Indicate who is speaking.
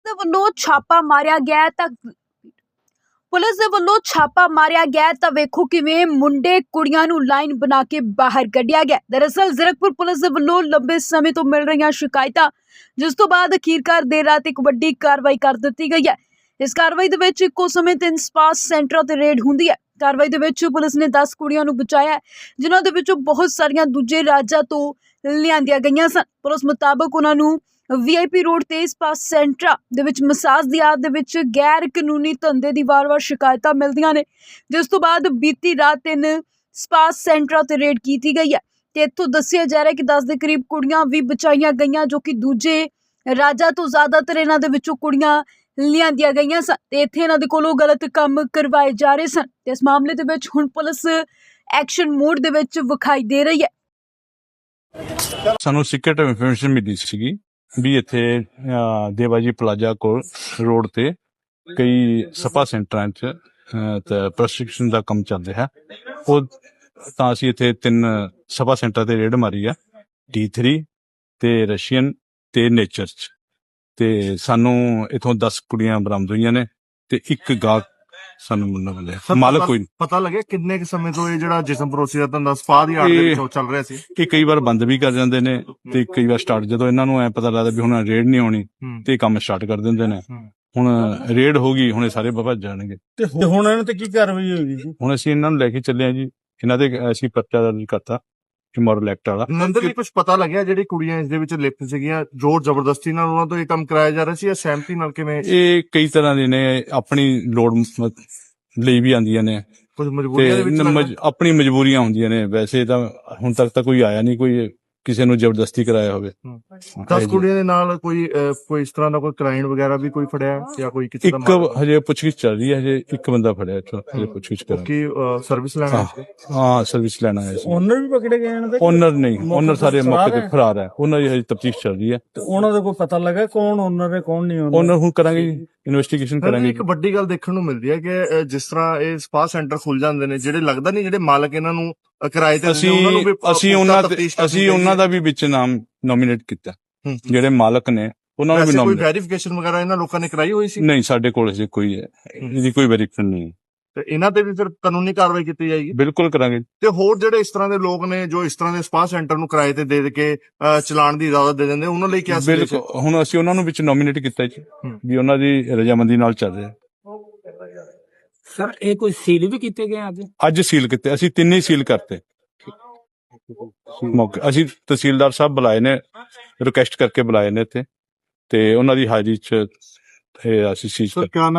Speaker 1: ਦੇ ਵੱਲੋਂ ਛਾਪਾ ਮਾਰਿਆ ਗਿਆ ਹੈ ਤਾਂ ਪੁਲਿਸ ਦੇ ਵੱਲੋਂ ਛਾਪਾ ਮਾਰਿਆ ਗਿਆ ਹੈ ਤਾਂ ਵੇਖੋ ਕਿਵੇਂ ਮੁੰਡੇ ਕੁੜੀਆਂ ਨੂੰ ਲਾਈਨ ਬਣਾ ਕੇ ਬਾਹਰ ਕੱਢਿਆ ਗਿਆ। ਦਰਅਸਲ ਜ਼ੀਰਕਪੁਰ ਪੁਲਿਸ ਦੇ ਵੱਲੋਂ ਲੰਬੇ ਸਮੇਂ ਤੋਂ ਮਿਲ ਰਹੀਆਂ ਸ਼ਿਕਾਇਤਾਂ ਜਿਸ ਤੋਂ ਬਾਅਦ ਅਖੀਰਕਾਰ ਦੇਰ ਰਾਤ ਇੱਕ ਵੱਡੀ ਕਾਰਵਾਈ ਕਰ ਦਿੱਤੀ ਗਈ ਹੈ। ਇਸ ਕਾਰਵਾਈ ਦੇ ਵਿੱਚ ਇੱਕੋ ਸਮੇਂ 3 ਸਪਾ ਸੈਂਟਰਾਂ ਤੇ ਰੇਡ ਹੁੰਦੀ ਹੈ। ਕਾਰਵਾਈ ਦੇ ਵਿੱਚ ਪੁਲਿਸ ਨੇ 10 ਕੁੜੀਆਂ ਨੂੰ ਬਚਾਇਆ ਹੈ, ਜਿਨ੍ਹਾਂ ਦੇ ਵਿੱਚੋਂ ਬਹੁਤ ਸਾਰੀਆਂ ਦੂਜੇ ਰਾਜਾਂ ਤੋਂ ਲਿਆਂਦੀਆਂ ਗਈਆਂ ਸਨ। ਪੁਲਿਸ ਮੁਤਾਬਕ ਉਹਨਾਂ ਨੂੰ VIP ਰੋਡ ਤੇ ਸਪਾ ਸੈਂਟਰ ਦੇ ਵਿੱਚ ਮਸਾਜ ਦੀ ਆੜ ਦੇ ਵਿੱਚ ਗੈਰ ਕਾਨੂੰਨੀ ਧੰਦੇ ਦੀ ਵਾਰ-ਵਾਰ ਸ਼ਿਕਾਇਤਾਂ ਮਿਲਦੀਆਂ ਨੇ, ਜਿਸ ਤੋਂ ਬਾਅਦ ਬੀਤੀ ਰਾਤ 3 ਸਪਾ ਸੈਂਟਰਾਂ ਤੇ ਰੇਡ ਕੀਤੀ ਗਈ ਹੈ ਤੇ ਇੱਥੋਂ ਦੱਸਿਆ ਜਾ ਰਿਹਾ ਕਿ 10 ਦੇ ਕਰੀਬ ਕੁੜੀਆਂ ਵੀ ਬਚਾਈਆਂ ਗਈਆਂ, ਜੋ ਕਿ ਦੂਜੇ ਰਾਜਾਂ ਤੋਂ ਜ਼ਿਆਦਾਤਰ ਇਹਨਾਂ ਦੇ ਵਿੱਚੋਂ ਕੁੜੀਆਂ ਲਿਆਂਦੀਆਂ ਗਈਆਂ ਸਨ ਤੇ ਇੱਥੇ ਇਹਨਾਂ ਦੇ ਕੋਲੋਂ ਗਲਤ ਕੰਮ ਕਰਵਾਏ ਜਾ ਰਹੇ ਸਨ ਤੇ ਇਸ ਮਾਮਲੇ ਦੇ ਵਿੱਚ ਹੁਣ ਪੁਲਿਸ ਐਕਸ਼ਨ ਮੋਡ ਦੇ ਵਿੱਚ ਵਿਖਾਈ ਦੇ ਰਹੀ ਹੈ।
Speaker 2: ਸਾਨੂੰ ਸੀਕ੍ਰੇਟ ਇਨਫੋਰਮੇਸ਼ਨ ਮਿਲੀ ਸੀਗੀ ਵੀ ਇੱਥੇ ਦੇਵਾਜੀ ਪਲਾਜ਼ਾ ਕੋਲ ਰੋਡ ਤੇ ਕਈ ਸਪਾ ਸੈਂਟਰਾਂ 'ਚ ਤੇ ਪ੍ਰੋਸਟੀਟਿਊਸ਼ਨ ਦਾ ਕੰਮ ਚੱਲ ਰਿਹਾ। ਉਹ ਤਾਂ ਅਸੀਂ ਇੱਥੇ 3 ਸਪਾ ਸੈਂਟਰ ਤੇ ਰੇਡ ਮਾਰੀ ਆ, D3 ਤੇ ਰਸ਼ੀਅਨ ਤੇ ਨੇਚਰ 'ਚ, ਤੇ ਸਾਨੂੰ ਇਥੋਂ 10 ਕੁੜੀਆਂ ਬਰਾਮਦ ਹੋਈਆਂ ਨੇ ਤੇ ਇੱਕ ਗਾਹਕ ਸਾਨੂੰ ਮਿਲਿਆ। ਮਾਲਕ ਕੋਈ
Speaker 3: ਪਤਾ ਲੱਗਿਆ ਕਿੰਨੇ ਸਮੇਂ ਤੋਂ ਇਹ ਜਿਹੜਾ ਜਿਸਮ ਪਰੋਸੀ ਦਾ ਧੰਦਾ ਸਪਾ ਦੀ ਆੜ ਦੇ ਵਿੱਚ ਚੱਲ ਰਿਹਾ ਸੀ?
Speaker 2: ਇਹ ਕਈ ਵਾਰ ਬੰਦ ਵੀ ਕਰ ਜਾਂਦੇ ਨੇ ਤੇ ਕਈ ਵਾਰ ਸਟਾਰਟ, ਜਦੋਂ ਇਹਨਾਂ ਨੂੰ ਐ ਪਤਾ ਲੱਗਦਾ ਵੀ ਹੁਣ ਰੇਡ ਨਹੀਂ ਆਉਣੀ ਤੇ ਕੰਮ ਸਟਾਰਟ ਕਰ ਦਿੰਦੇ ਨੇ। ਹੁਣ ਰੇਡ ਹੋ ਗਈ, ਹੁਣ ਇਹ ਸਾਰੇ ਭੱਜ ਜਾਣਗੇ।
Speaker 3: ਤੇ ਹੁਣ ਇਹਨਾਂ ਤੇ ਕੀ ਕਾਰਵਾਈ ਹੋਈ ਜੀ?
Speaker 2: ਹੁਣ ਅਸੀਂ ਇਹਨਾਂ ਨੂੰ ਲੈ ਕੇ ਚੱਲੇ ਆ ਜੀ, ਇਹਨਾਂ ਦੇ ਅਸੀਂ ਪਰਚਾ ਦਰਜ ਕਰਤਾ ਇਮੋਰਲ ਐਕਟ ਵਾਲਾ।
Speaker 3: ਨੰਦਰ ਜੀ, ਕੁਝ ਪਤਾ ਲੱਗਿਆ ਜਿਹੜੀ ਕੁੜੀਆਂ ਇਸ ਦੇ ਵਿੱਚ ਲਿਪਤ ਸੀਗੀਆਂ, ਜ਼ੋਰ ਜ਼ਬਰਦਸਤੀ ਨਾਲ ਉਹਨਾਂ ਤੋਂ ਇਹ ਕੰਮ ਕਰਾਇਆ ਜਾ ਰਿਹਾ ਸੀ ਜਾਂ ਸਹਿਮਤੀ ਨਾਲ? ਕਿਵੇਂ? ਇਹ
Speaker 2: ਕਈ ਤਰ੍ਹਾਂ ਦੇ ਨੇ, ਆਪਣੀ ਲੋੜ ਲਈ ਵੀ ਆਉਂਦੀਆਂ ਨੇ,
Speaker 3: ਕੁਝ ਮਜਬੂਰੀਆਂ ਦੇ ਵਿੱਚ
Speaker 2: ਆਪਣੀ ਮਜਬੂਰੀਆਂ ਹੁੰਦੀਆਂ ਨੇ। ਵੈਸੇ ਤਾਂ ਹੁਣ ਤੱਕ ਤਾਂ ਕੋਈ ਆਇਆ ਨਹੀਂ ਕੋਈ ਕਿਸੇ ਨੂੰ ਜ਼ਬਰਦਸਤੀ ਕਰਾਇਆ ਹੋਵੇ।
Speaker 3: 10 ਕੁੜੀਆਂ ਦੇ ਨਾਲ ਕੋਈ ਇਸ ਤਰ੍ਹਾਂ ਦਾ ਕੋਈ ਕ੍ਰਾਈਮ ਵਗੈਰਾ ਵੀ ਕੋਈ ਫੜਿਆ ਜਾਂ ਕੋਈ ਕਿਸੇ ਦਾ?
Speaker 2: ਇੱਕ ਹਜੇ ਪੁੱਛਗਿੱਛ ਚੱਲ ਰਹੀ ਹੈ, ਹਜੇ ਇੱਕ ਬੰਦਾ ਫੜਿਆ ਇੱਥੋਂ, ਹਜੇ ਪੁੱਛਗਿੱਛ ਕਰ
Speaker 3: ਕੀ ਸਰਵਿਸ ਲੈਣਾ?
Speaker 2: ਹਾਂ, ਸਰਵਿਸ ਲੈਣਾ ਹੈ।
Speaker 3: ਓਨਰ ਵੀ ਪਕੜੇ ਗਏ ਇਹਨਾਂ ਦੇ?
Speaker 2: ਓਨਰ ਨਹੀਂ, ਓਨਰ ਸਾਰੇ ਮੌਕੇ ਤੇ ਫਰਾਰ ਹੈ। ਉਹਨਾਂ ਦੀ ਹਜੇ ਤਫਤੀਸ਼ ਚੱਲ ਰਹੀ ਹੈ।
Speaker 3: ਤੇ ਉਹਨਾਂ ਦਾ ਕੋਈ ਪਤਾ ਲੱਗਾ ਕੌਣ ਓਨਰ ਹੈ ਕੌਣ ਨਹੀਂ
Speaker 2: ਓਨਰ? ਹੁਣ ਕਰਾਂਗੇ, ਇਨਵੈਸਟੀਗੇਸ਼ਨ ਕਰਾਂਗੇ।
Speaker 3: ਇੱਕ ਵੱਡੀ ਗੱਲ ਦੇਖਣ ਨੂੰ ਮਿਲਦੀ ਹੈ ਕਿ ਜਿਸ ਤਰ੍ਹਾਂ ਇਹ ਸਪਾ ਸੈਂਟਰ ਖੁੱਲ ਜਾਂਦੇ ਨੇ, ਜਿਹੜੇ ਲੱਗਦਾ ਨਹੀਂ ਜਿਹੜੇ ਮਾਲਕ ਇਹਨਾਂ ਨੂੰ ਕਿਰਾਏ ਤੇ
Speaker 2: ਅਸੀਂ ਉਹਨਾਂ ਦਾ ਵੀ ਵਿੱਚ ਨਾਮ ਨੋਮੀਨੇਟ ਕੀਤਾ, ਜਿਹੜੇ ਮਾਲਕ ਨੇ ਉਹਨਾਂ ਨੂੰ ਵੀ
Speaker 3: ਕੋਈ ਵੈਰੀਫਿਕੇਸ਼ਨ ਵਗੈਰਾ ਇਹਨਾਂ ਲੋਕਾਂ ਨੇ ਕਰਾਈ ਹੋਈ ਸੀ?
Speaker 2: ਨਹੀਂ, ਸਾਡੇ ਕੋਲ ਹਜੇ ਕੋਈ ਇਹਦੀ ਕੋਈ ਵੈਰੀਫਿਕੇਸ਼ਨ ਨਹੀਂ।
Speaker 3: ਤੇ ਇਹਨਾਂ ਤੇ ਵੀ ਫਿਰ ਕਾਨੂੰਨੀ ਕਾਰਵਾਈ ਕੀਤੀ ਜਾਏਗੀ?
Speaker 2: ਬਿਲਕੁਲ ਕਰਾਂਗੇ।
Speaker 3: ਤੇ ਹੋਰ ਜਿਹੜੇ ਇਸ ਤਰ੍ਹਾਂ ਦੇ ਲੋਕ ਨੇ ਜੋ ਇਸ ਤਰ੍ਹਾਂ ਦੇ ਸਪਾ ਸੈਂਟਰ ਨੂੰ ਕਿਰਾਏ ਤੇ ਦੇ ਕੇ ਚਲਾਉਣ ਦੀ ਇਜਾਜ਼ਤ ਦੇ ਦਿੰਦੇ, ਉਹਨਾਂ ਲਈ ਕੀ?
Speaker 2: ਬਿਲਕੁਲ, ਹੁਣ ਅਸੀਂ ਉਹਨਾਂ ਨੂੰ ਵਿੱਚ ਨੋਮੀਨੇਟ ਕੀਤਾ ਜੀ ਵੀ ਉਹਨਾਂ ਦੀ ਰਜਾਮੰਦੀ ਨਾਲ ਚੱਲ ਰਿਹਾ।
Speaker 4: ਸਰ, ਇਹ ਕੋਈ ਸੀਲ ਵੀ ਕੀਤੇ ਗਏ
Speaker 2: ਅੱਜ ਸੀਲ ਕੀਤੇ, ਅਸੀਂ 3 ਹੀ ਸੀਲ ਕਰਤੇ ਮੌਕੇ। ਅਸੀਂ ਤਹਿਸੀਲਦਾਰ ਸਾਹਿਬ ਬੁਲਾਏ ਨੇ, ਰਿਕੁਐਸਟ ਕਰਕੇ ਬੁਲਾਏ ਨੇ ਇੱਥੇ, ਤੇ ਉਹਨਾਂ ਦੀ ਹਾਜ਼ਰੀ 'ਚ ਅਸੀਂ ਸੀਲ